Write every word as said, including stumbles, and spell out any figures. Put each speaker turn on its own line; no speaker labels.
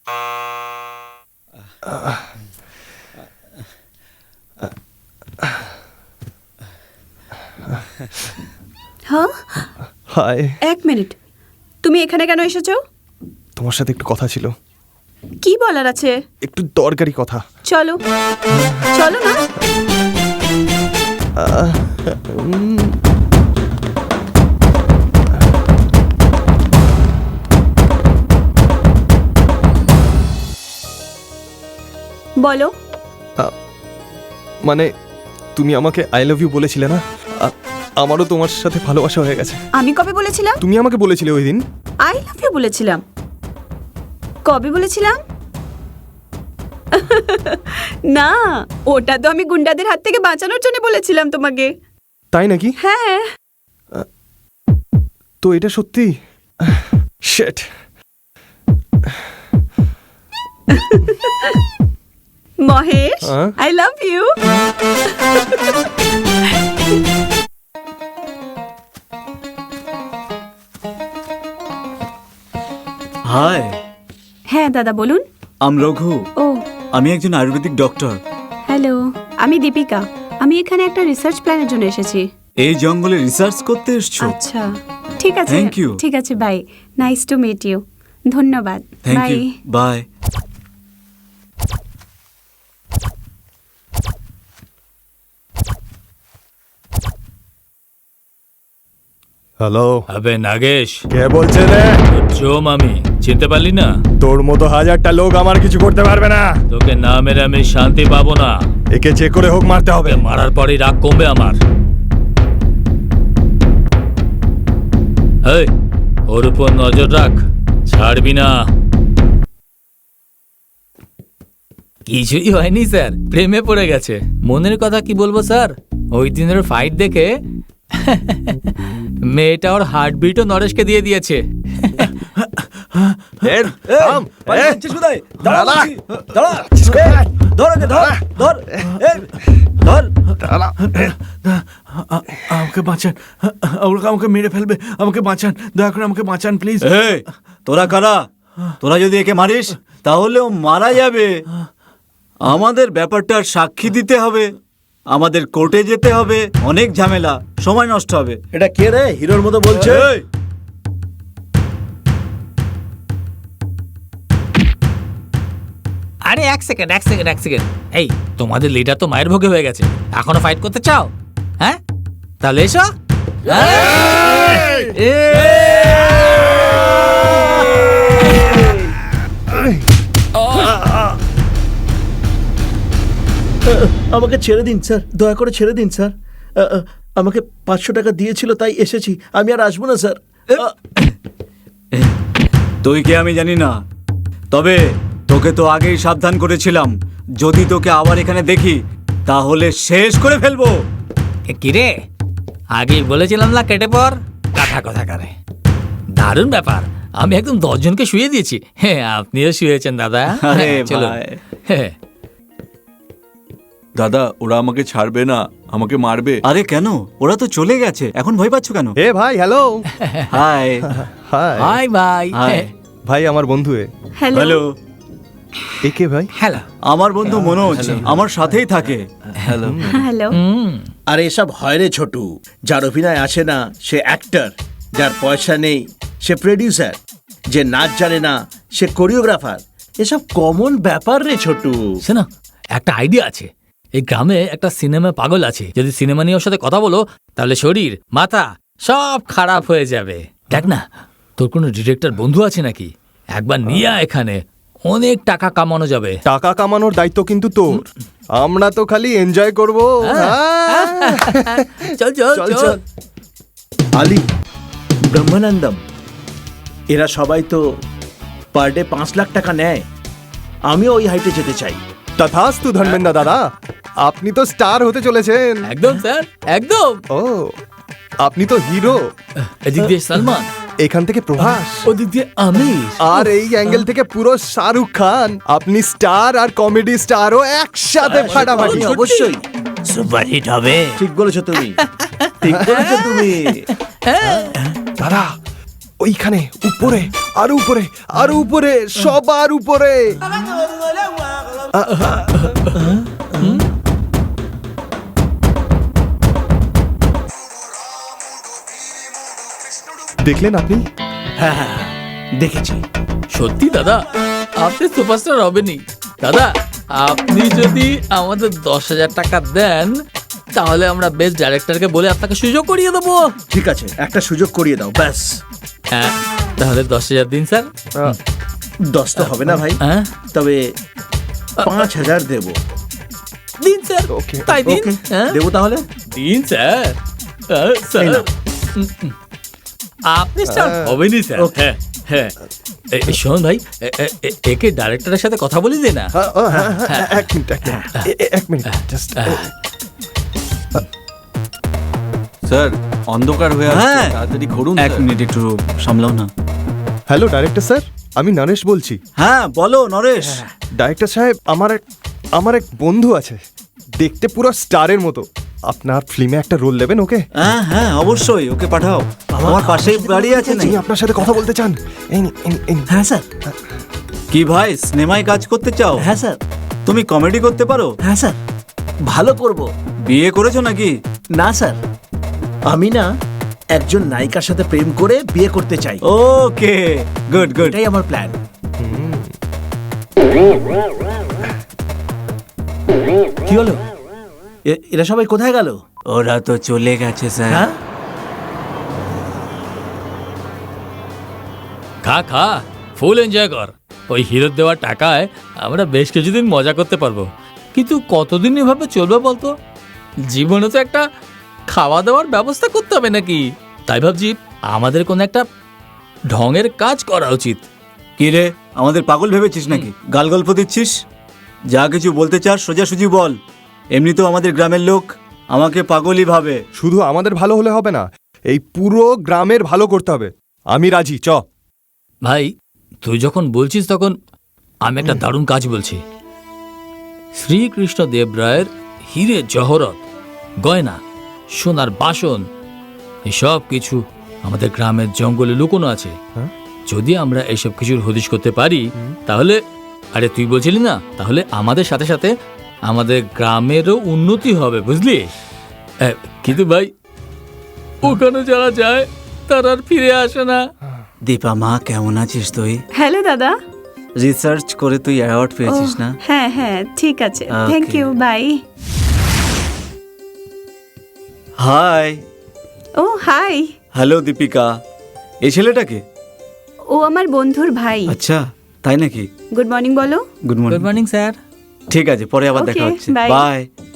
হ্যাঁ,
হাই।
এক মিনিট, তুমি এখানে কেন এসেছো?
তোমার সাথে একটু কথা ছিল।
কি বলার আছে?
একটু দরকারি কথা।
চলো চলো না। বলো।
মানে তুমি আমাকে আই লাভ ইউ বলেছিলে না? আ- আমারও তোমার সাথে ভালোবাসা হয়ে গেছে।
আমি কবে বলেছিলাম?
তুমি আমাকে বলেছিলে ওই দিন।
আই লাভ ইউ বলেছিলাম? কবে বলেছিলাম? না, ওটা তো আমি গুন্ডাদের হাত থেকে বাঁচানোর জন্য বলেছিলাম তোমাকে।
তাই নাকি?
হ্যাঁ।
তো এটা সত্যি? Shit.
Mahesh, I love you.
Hi.
হ্যাঁ দাদা বলুন।
আম রঘু।
ও,
আমি একজন আয়ুর্বেদিক ডক্টর।
হ্যালো, আমি দীপিকা। আমি এখানে একটা রিসার্চ প্ল্যানের জন্য এসেছি।
এই জঙ্গলে রিসার্চ করতে এসছো?
আচ্ছা, ঠিক আছে।
Thank you.
ঠিক আছে, bye. Nice to meet you. ধন্যবাদ।
Thank
bye.
You. Bye.
Hello.
আবে নাগেশ,
কে বলছে রে?
জোম আমি চিনতে পারলি না?
তোর মতো হাজারটা লোক আমার কিছু করতে পারবে না।
তোকে না মেরে আমি শান্তি পাবো না।
একে যে করে হোক মারতে হবে।
তোকে মারার পরই রাগ কমবে আমার। এই, ওর উপর নজর রাখ, ছাড়বি না। কিছুই হয়নি স্যার, প্রেমে পড়ে গেছে। মনের কথা কি বলবো স্যার, ওই দিনের ফাইট দেখে মেয়েটা ওর হার্টবিটও নরেশকে দিয়ে দিয়েছে।
আমাকে বাঁচান, ওরা আমাকে মেরে ফেলবে, আমাকে বাঁচান, দয়া করে আমাকে বাঁচান প্লিজ।
তোরা কারা? তোরা যদি একে মারিস তাহলে ও মারা যাবে। আমাদের ব্যাপারটার সাক্ষী দিতে হবে, আমাদের কোর্টে যেতে হবে, অনেক ঝামেলা, সময় নষ্ট হবে।
এটা কে রে হিরোর মতো বলছে?
এই,
আরে এক সেকেন্ড এক সেকেন্ড এক সেকেন্ড এই, তোমাদের লিডার তো মায়ের ভোগে হয়ে গেছে, এখনো ফাইট করতে চাও? হ্যাঁ, তাহলে এসো।
আমাকে ছেড়ে দিন স্যার, দয়া করে ছেড়ে দিন স্যার। আ, আ, আমাকে পাঁচশো টাকা দিয়েছিল তাই এসেছি, আমি আর আসবো না স্যার। আ,
তুই কে আমি জানি না, তবে তোকে তো আগেই সাবধান করেছিলাম, যদি তোকে আবার এখানে দেখি তাহলে শেষ করে ফেলবো।
কিরে, আগেই বলেছিলাম না কেটে পর, কাঠা কথা কারে। দারুণ ব্যাপার, আমি একদম দশজনকে শুয়ে দিয়েছি। হ্যাঁ, আপনিও শুয়েছেন দাদা।
আরে
চলো।
ভাই।
হ্যাঁ।
দাদা, ওরা আমাকে ছাড়বে না, আমাকে মারবে।
আরে কেন, ওরা তো চলে গেছে, এখন ভয় পাচ্ছ কেন?
এ ভাই, হ্যালো।
হাই।
হাই।
হাই ভাই।
হাই।
ভাই আমার বন্ধু। এ
হ্যালো।
হ্যালো।
একে ভাই?
হ্যালো।
আমার বন্ধু মনোজ, আমার সাথেই থাকে। হ্যালো।
হ্যালো।
আর এসব হয় রে ছোটু, যার অভিনয় আসে না সে অ্যাক্টর, যার পয়সা নেই সে প্রডিউসার, যে নাচ জানে না সে কোরিওগ্রাফার। এসব কমন ব্যাপার রে ছোটু।
শোনো, একটা আইডিয়া আছে। এই গ্রামে একটা সিনেমা পাগল আছে, যদি সিনেমা নিয়ে ওর সাথে কথা বলো তাহলে শরীর মাথা সব খারাপ হয়ে যাবে। দেখ না, তোর কোনো ডিরেক্টর বন্ধু আছে নাকি? একবার নিয়ে আয় এখানে, অনেক টাকা কামানো যাবে।
টাকা কামানোর দায়িত্ব কিন্তু তোর, আমরা তো খালি এনজয় করব।
চল চল চল।
আলী, ব্রহ্মানন্দম, এরা সবাই তো পার ডে পাঁচ লাখ টাকা নেয়। আমিও ওই হাইটে যেতে চাই।
তথাস্তু ধর্মেন্দ্র দাদা, আপনি তো স্টার হতে চলেছেন।
একদম স্যার, একদম।
ও, আপনি তো হিরো।
এদিক দিয়ে সালমান,
এখান থেকে প্রভাস,
ওদিক দিয়ে আমির,
আর এই অ্যাঙ্গেল থেকে পুরো শাহরুখ খান। আপনি স্টার আর কমেডি স্টারও একসাথে ফাটাফাটি।
অবশ্যই
সুপারহিট হবে।
ঠিক বলেছো তুমি, ঠিক বলেছো তুমি।
দাদা, ওইখানে উপরে আরো উপরে আরো উপরে সবার উপরে। দেখলেন আপনি?
হ্যাঁ হ্যাঁ হ্যাঁ, দেখেছি।
সত্যি দাদা আপনি সুপারস্টার হবেনই। দাদা আপনি যদি আমাদের দশ হাজার টাকা দেন তাহলে আমরা বেস্ট ডাইরেক্টরকে বলে আপনাকে সুযোগ করিয়ে দেবো।
ঠিক আছে, একটা সুযোগ করিয়ে দাও ব্যাস।
হ্যাঁ তাহলে দশ হাজার দিন স্যার।
আহ,
দশ তো হবে না ভাই,
হ্যাঁ
তবে পাঁচ হাজার দেবো।
দিন স্যার,
ওকে।
তাই দিন।
ওকে,
হ্যাঁ
দেবো তাহলে।
দিন স্যার। হ্যাঁ, স্যার
এই নাও।
উম, উম। আপনি স্যার হবেনই স্যার।
ওকে।
হ্যাঁ হ্যাঁ এ- এ, শোন ভাই এ- এ- এ- একে ডাইরেক্টরের সাথে কথা বলি দে না।
হ্যাঁ, হ্যাঁ, হ্যাঁ, হ্যাঁ, এক মিনিট এক মিনিট এ- এ- এক মিনিট জাস্ট।
স্যার অন্ধকার হয়ে আসছে,
হ্যাঁ।
তাড়াতাড়ি করুন
এক
স্যার।
মিনিট একটু সামলাও না।
হ্যালো ডাইরেক্টর স্যার, আমি নরেশ বলছি।
হ্যাঁ বলো নরেশ।
ডাইরেক্টর সাহেব, আমার এক আমার এক বন্ধু আছে, দেখতে পুরো স্টারের মতো। আপনার ফিল্মে একটা রোল দেবেন ওকে?
হ্যাঁ হ্যাঁ অবশ্যই, ওকে পাঠাও। আমার পাশেই বাড়ি আছে না?
যিনি আপনার সাথে কথা বলতে চান। এই নিন, এই নিন, এই নিন।
হ্যাঁ স্যার।
কি ভাই সিনেমায় কাজ করতে চাও?
হ্যাঁ স্যার।
তুমি কমেডি করতে পারো?
হ্যাঁ স্যার, ভালো করব।
বিয়ে করেছো নাকি?
না স্যার, আমি না একজন নায়িকার সাথে প্রেম করে বিয়ে করতে চাই।
Okay good good.
এটাই আমার প্ল্যান। কি হলো? এ- এরা সবাই কোথায় গেল?
ওরা তো চলে গেছে স্যার।
হ্যাঁ,
খা খা ফুল এনজয় কর। ওই হিরোর দেওয়ার টাকায় আমরা বেশ কিছুদিন মজা করতে পারবো, কিন্তু কতদিন এভাবে চলবে বলতো? জীবনে তো একটা খাওয়া দাওয়ার ব্যবস্থা করতে হবে নাকি? তাই ভাবছি আমাদের কোনো একটা ঢঙের কাজ করা উচিত।
কি রে আমাদের পাগল ভেবেছিস নাকি? গাল গল্প দিচ্ছিস? যা কিছু বলতে চাস সোজাসুজি বল। এমনিতেও আমাদের গ্রামের লোক আমাকে পাগলই ভাবে।
শুধু আমাদের ভালো হলে হবে না, এই পুরো গ্রামের ভালো করতে হবে। আমি রাজি, চ।
ভাই তুই যখন বলছিস তখন আমি একটা দারুণ কাজ বলছি। শ্রীকৃষ্ণ দেব রায়ের হিরে জহরত, গয়না, সোনার বাসন, এসব কিছু আমাদের গ্রামের জঙ্গলে লুকোনো আছে।
হ্যাঁ?
যদি আমরা এসব কিছুর হদিশ করতে পারি তাহলে, আরে তুই বলছিলি না, তাহলে আমাদের সাথে সাথে আমাদের গ্রামেরও উন্নতি হবে, বুঝলি? এ, কিন্তু ভাই ওখানে যারা যায় তারা আর ফিরে আসে না।
দীপা মা কেমন আছিস তুই?
হ্যালো দাদা।
রিসার্চ করে তুই অ্যাওয়ার্ড পেয়েছিস
ও,
না?
হ্যাঁ হ্যাঁ ঠিক আছে,
Okay.
Thank you, bye.
Hi.
ও হাই।
হ্যালো দীপিকা। এই ছেলেটাকে?
ও আমার বন্ধুর ভাই।
আচ্ছা তাই নাকি?
গুড মর্নিং বলো।
Good
good
morning.
Morning sir.
ঠিক আছে পরে আবার দেখা
Okay,
হচ্ছে।
bye.
বাই।